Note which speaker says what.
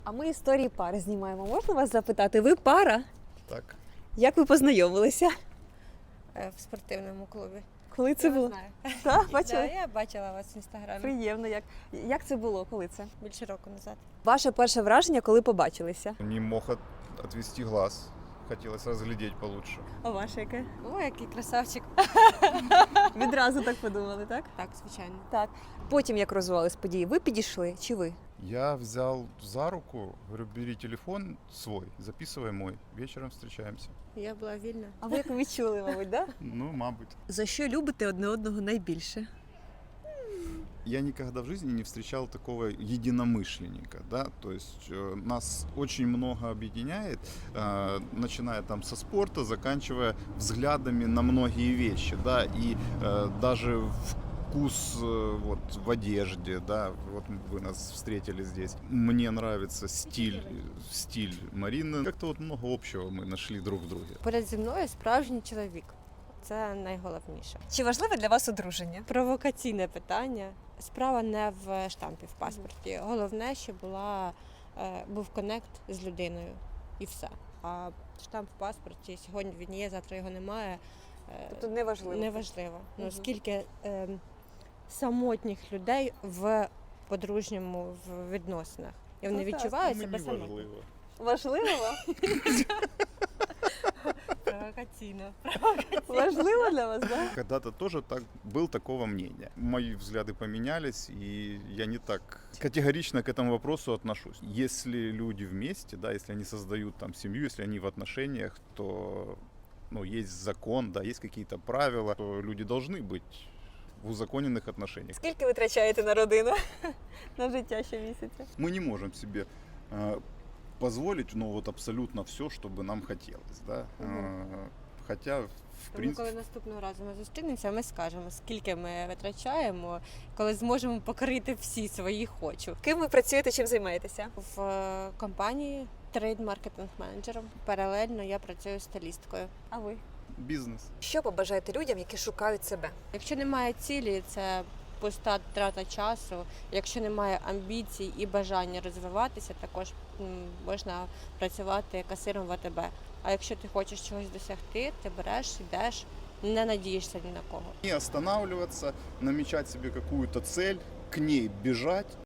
Speaker 1: А ми історії пари знімаємо. Можна вас запитати? Ви пара?
Speaker 2: Так.
Speaker 1: Як ви познайомилися?
Speaker 3: В спортивному клубі.
Speaker 1: Коли це
Speaker 3: Я
Speaker 1: було?
Speaker 3: знаю.
Speaker 1: Так,
Speaker 3: Да,
Speaker 1: бачили?
Speaker 3: я бачила вас в інстаграмі
Speaker 1: Приємно. Як це було? Коли це?
Speaker 3: більше року назад.
Speaker 1: Ваше перше враження, коли побачилися?
Speaker 2: Не мог отвести глаз. Хотелось разглядеть получше.
Speaker 1: А ваше яке?
Speaker 3: О, який красавчик.
Speaker 1: Відразу так подумали, так?
Speaker 3: Так, звичайно.
Speaker 1: Так. Потім, як розвивались події, ви підійшли чи ви?
Speaker 2: Я взял за руку, говорю, бери телефон свой, записывай мой, вечером встречаемся.
Speaker 3: Я була вільна.
Speaker 1: А ви як відчули, мабуть, так?
Speaker 2: Ну, мабуть.
Speaker 1: За що любите одне одного найбільше?
Speaker 2: Я никогда в жизни не встречал такого единомышленника, да, то есть нас очень много объединяет, начиная там со спорта, заканчивая взглядами на многие вещи, да, и даже вкус вот в одежде, да, вот вы нас встретили здесь. Мне нравится стиль Марины. Как-то вот много общего мы нашли друг в друге.
Speaker 3: Поряд зі мною справжній чоловік. Це найголовніше.
Speaker 1: Чи важливе для вас одруження?
Speaker 3: Провокаційне питання. Справа не в штампі в паспорті. Головне, щоб був коннект з людиною і все. А штамп в паспорті сьогодні він є, завтра його немає.
Speaker 1: Тобто неважливо.
Speaker 3: Неважливо. Ну,
Speaker 1: Мгм.
Speaker 3: скільки самотніх людей в подружньому відносинах. І вони
Speaker 1: Ну, так.
Speaker 3: відчувають
Speaker 2: Мені
Speaker 3: себе самотніми.
Speaker 2: важливо.
Speaker 1: Важливо вам?
Speaker 3: Провокаційно.
Speaker 1: Важливо для вас, так?
Speaker 2: Когда-то тоже был такого мнения. Мои взгляды поменялись, и я не так категорично к этому вопросу отношусь. Если люди вместе, да, если они создают там семью, если они в отношениях, то есть закон, да, есть какие-то правила, то люди должны быть в узаконенных отношениях.
Speaker 1: Скільки ви витрачаєте на родину? На життя щомісяця?
Speaker 2: Мы не можем себе позволить, абсолютно все, чтобы нам хотелось, да. Хотя, в
Speaker 3: Тому
Speaker 2: принципе,
Speaker 3: коли наступного разу ми зустрінемося, ми скажемо, скільки ми витрачаємо, коли зможемо покрити всі свої хочу.
Speaker 1: Ким ви працюєте, чим займаєтеся?
Speaker 3: В компанії трейд-маркетинг менеджером. Паралельно я працюю стилісткою.
Speaker 1: А ви?
Speaker 2: бизнес.
Speaker 1: Що побажаєте людям, які шукають себе?
Speaker 3: Якщо немає цілі, це пуста трата часу. Якщо немає амбіцій і бажання розвиватися, також можна працювати касиром в АТБ. А якщо ти хочеш чогось досягти, ти береш, йдеш, не надієшся ні на кого.
Speaker 2: Не останавливаться, намечать себе какую-то цель, к ней бежать.